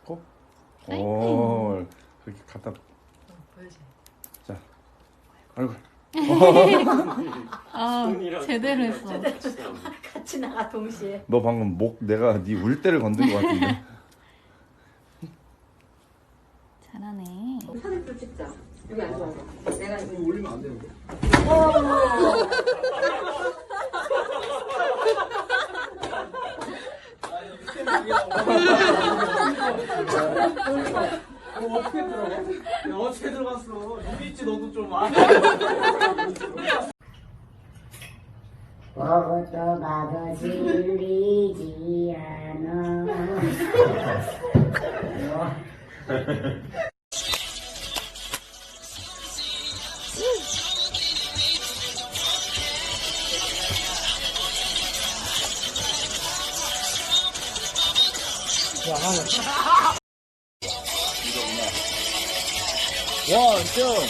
코? 오, 그렇게 갖다. 보여줘. 자, 얼굴. 아, 제대로 했어. 같이 나가 동시에. 너 방금 목 내가 네 울대를 건든 것 같은데. 잘하네. 사진도 찍자. 여기 앉아서. 내가 이거 올리면 안 되는데. 어떻게 들어가? 야, 어떻게 들어갔어? 여기 있지 너도 좀 아. 먹어도 봐도 질리지 않아. 원, two.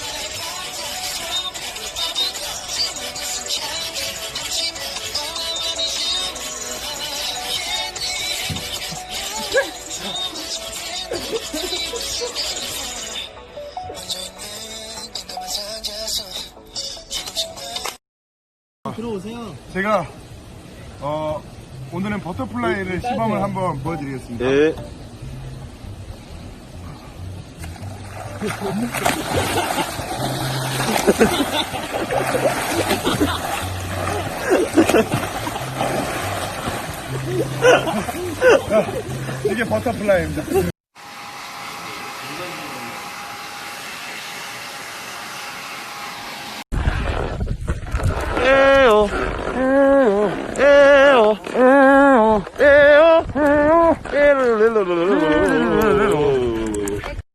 들어오세요. 제가 오늘은 버터플라이를 시범을 한번 보여드리겠습니다. 네. 이게 버터플라이입니다. 에요, 에요, 에요, 에요, 에요, 에요, 에요,